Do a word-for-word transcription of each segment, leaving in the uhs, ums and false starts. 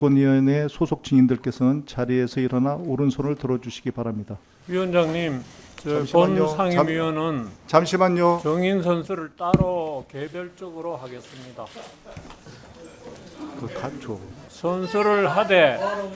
위원회 소속 증인들께서는 자리에서 일어나 오른손을 들어주시기 바랍니다. 위원장님, 저 잠시만요. 본 상임위원은 잠시만요. 정인 선수를 따로 개별적으로 하겠습니다. 그 간초. 선수를 하되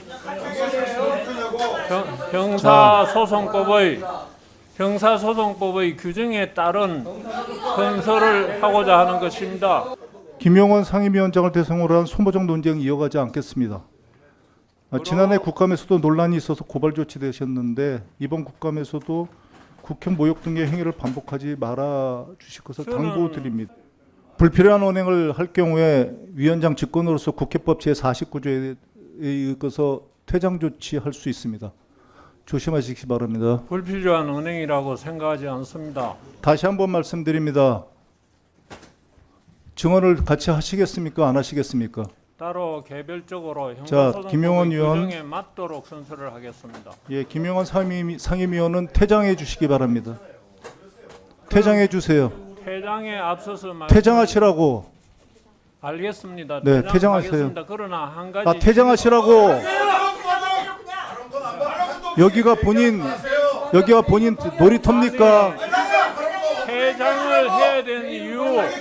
형사소송법의 형사소송법의 규정에 따른 선서를 하고자 하는 것입니다. 김용원 상임위원장을 대상으로 한 소모적 논쟁 이어가지 않겠습니다. 아, 지난해 국감에서도 논란이 있어서 고발 조치되셨는데 이번 국감에서도 국회 모욕 등의 행위를 반복하지 말아 주실 것을 당부드립니다. 불필요한 언행을 할 경우에 위원장 직권으로서 국회법 제사십구 조에 의거서 퇴장 조치할 수 있습니다. 조심하시기 바랍니다. 불필요한 언행이라고 생각하지 않습니다. 다시 한번 말씀드립니다. 증언을 같이 하시겠습니까? 안 하시겠습니까? 따로 개별적으로 자, 김용원 형사소송법의 의원. 규정에 맞도록 선서를 하겠습니다. 예, 김용원 상임위, 상임위원은 퇴장해 주시기 바랍니다. 퇴장해 주세요. 퇴장에 앞서서 말 퇴장하시라고. 알겠습니다. 네, 퇴장하겠습니다. 퇴장하세요. 그러나 한 가지 아, 퇴장하시라고. 여기가 본인 여기가 본인 놀이터입니까? 퇴장을 해야 되는 이유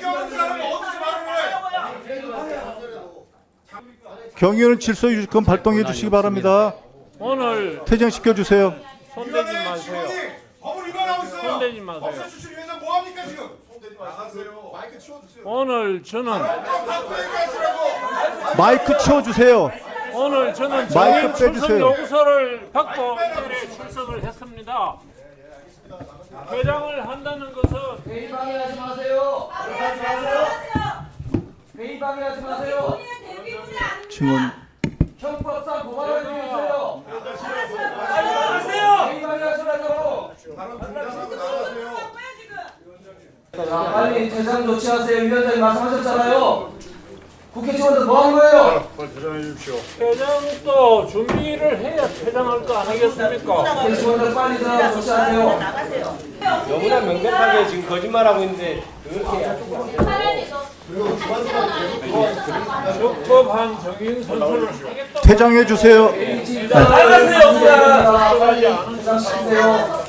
경위는 질서 유지권 발동해 주시기 바랍니다. 오늘 퇴장시켜 주세요. 손대지 마세요. 손대지 마세요. 오늘 저는 마이크 치워 주세요. 오늘 저는 마이크 정인 출석 빼주세요. 요구서를 받고 자리에 출석을 했습니다. 퇴장을 한다는 것은 회의 방해하지 마세요. 회의 방해하지 마세요. 증언. 형법상 고발을 드리세요. 빨리 회의 방해하시라고. 자, 빨리 퇴장 조치하세요. 위원장님 말씀하셨잖아요. 국회 직원들 뭐 하는 거예요? 퇴장해 주십시오. 퇴장도 준비를 해야 퇴장할 거 아니겠습니까? 국회 직원들 빨리 퇴장 조치하세요. 너무나 명백하게 지금 거짓말하고 있는데 그렇게 적법한 정인 선수를 하겠다고 퇴장해 주세요. 나가세요. 퇴장하세요.